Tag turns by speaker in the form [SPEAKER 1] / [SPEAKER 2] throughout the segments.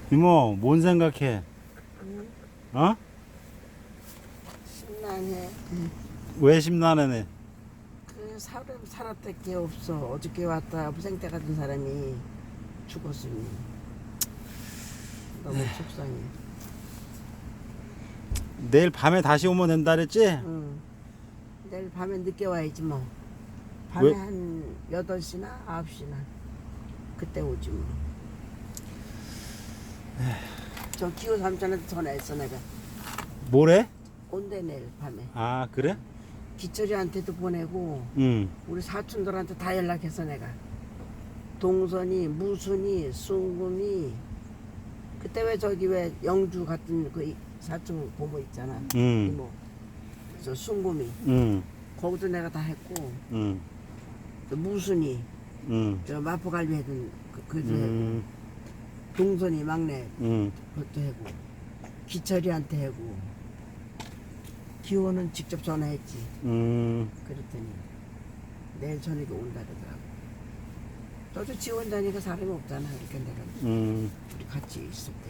[SPEAKER 1] 이모, 뭔 생각해?
[SPEAKER 2] 응?
[SPEAKER 1] 어?
[SPEAKER 2] 심란해.
[SPEAKER 1] 왜 심란하네?
[SPEAKER 2] 그 사람 살았을 게 없어. 어저께 왔다 무생태 같은 사람이 죽었으니 너무 속상해.
[SPEAKER 1] 내일 밤에 다시 오면 된다 그랬지?
[SPEAKER 2] 응. 내일 밤에 늦게 와야지 뭐. 밤에
[SPEAKER 1] 왜?
[SPEAKER 2] 한 8시나 9시나 그때 오지 뭐. 저 기호 삼촌한테 전화했어 내가.
[SPEAKER 1] 뭐래?
[SPEAKER 2] 온대 내일 밤에.
[SPEAKER 1] 아, 그래?
[SPEAKER 2] 기철이한테도 보내고
[SPEAKER 1] 응.
[SPEAKER 2] 우리 사촌들한테 다 연락했어 내가. 동선이, 무순이, 숭금이 그때 왜 저기 왜 영주 같은 그 사촌 고모 있잖아.
[SPEAKER 1] 응.
[SPEAKER 2] 이모. 저 숭금이
[SPEAKER 1] 응.
[SPEAKER 2] 거기도 내가 다 했고
[SPEAKER 1] 응.
[SPEAKER 2] 또 무순이
[SPEAKER 1] 응.
[SPEAKER 2] 저 마포갈비 해둔 그도 했고
[SPEAKER 1] 응.
[SPEAKER 2] 동선이 막내
[SPEAKER 1] 응.
[SPEAKER 2] 그것도 하고 기철이한테 하고 기호는 직접 전화했지.
[SPEAKER 1] 응.
[SPEAKER 2] 그랬더니 내일 저녁에 온다 그러더라고. 너도 지원자니까 사람이 없잖아. 이렇게 내가
[SPEAKER 1] 응.
[SPEAKER 2] 우리 같이 있을 때.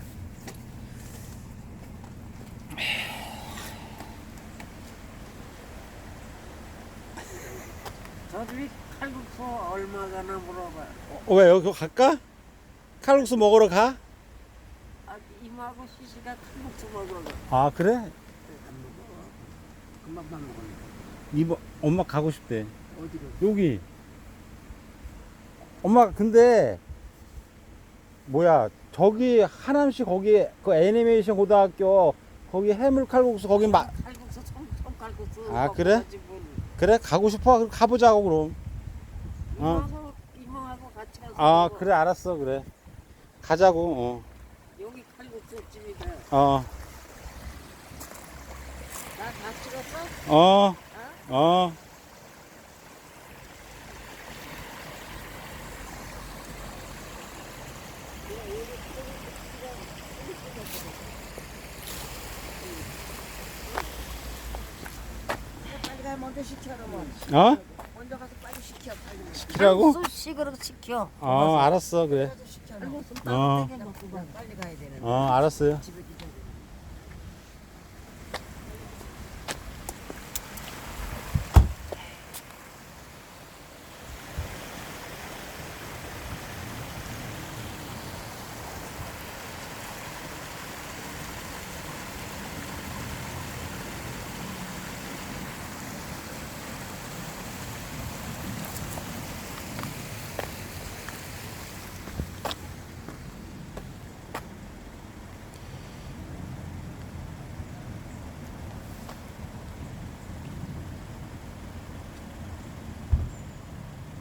[SPEAKER 2] 저들이 칼국수 얼마가나 물어봐.
[SPEAKER 1] 왜 여기 갈까? 칼국수 먹으러 가?
[SPEAKER 2] 아, 이모하고 시시가 칼국수 먹으러 가.
[SPEAKER 1] 아, 그래?
[SPEAKER 2] 안 먹어. 금방만 먹었는데.
[SPEAKER 1] 이모, 엄마 가고 싶대.
[SPEAKER 2] 어디로?
[SPEAKER 1] 여기. 엄마, 근데, 뭐야, 저기, 하남시 거기, 그 애니메이션 고등학교, 거기 해물 칼국수, 거기
[SPEAKER 2] 칼국수 총칼국수.
[SPEAKER 1] 아, 그래? 그래, 가고 싶어? 그럼 가보자고, 그럼.
[SPEAKER 2] 이모하고 같이 가서.
[SPEAKER 1] 아,
[SPEAKER 2] 먹어.
[SPEAKER 1] 그래, 알았어, 그래. 가자고,
[SPEAKER 2] 여기 칼국수 집이다.
[SPEAKER 1] 어.
[SPEAKER 2] 나 다 찍었어?
[SPEAKER 1] 어,
[SPEAKER 2] 어?
[SPEAKER 1] 어.
[SPEAKER 2] 빨리 가 먼저 시켜 뭐.
[SPEAKER 1] 어?
[SPEAKER 2] 먼저 가서 빨리 시켜 빨리.
[SPEAKER 1] 시키라고?
[SPEAKER 2] 수식으로 시켜.
[SPEAKER 1] 어, 알았어, 그래.
[SPEAKER 2] 시켜.
[SPEAKER 1] 어.
[SPEAKER 2] 빨리 가야 되는.
[SPEAKER 1] 알았어요.
[SPEAKER 2] 집에